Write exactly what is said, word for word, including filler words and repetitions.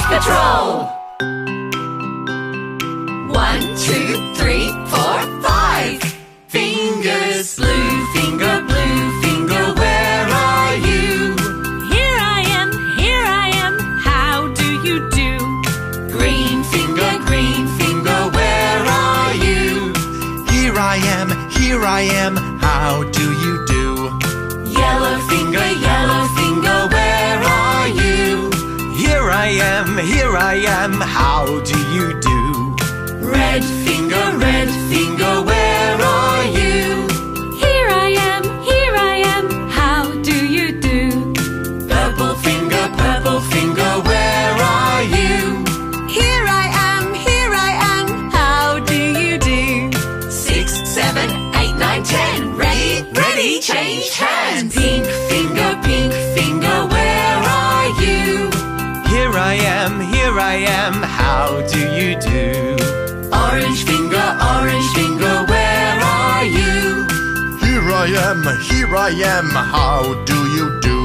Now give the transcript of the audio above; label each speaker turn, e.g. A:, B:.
A: Patrol! One, two, three, four, five. Fingers, blue finger, blue finger, where are you?
B: Here I am, here I am, how do you do?
A: Green finger, green finger, where are you?
C: Here I am, here I am, how do you do?
A: Yellow finger, yellow finger, where are you?
C: Here I am, here I am, how do you do?
A: Red finger, red finger, where are you?
B: Here I am, here I am, how do you do?
A: Purple finger, purple finger, where are you?
B: Here I am, here I am, how do you do?
A: Six, seven, eight, nine, ten. Ready, ready, change hands. Pink finger, pink finger, where are you?
C: Here I am, here I am, how do you do?
A: Orange finger, orange finger, where are you?
C: Here I am, here I am, how do you do?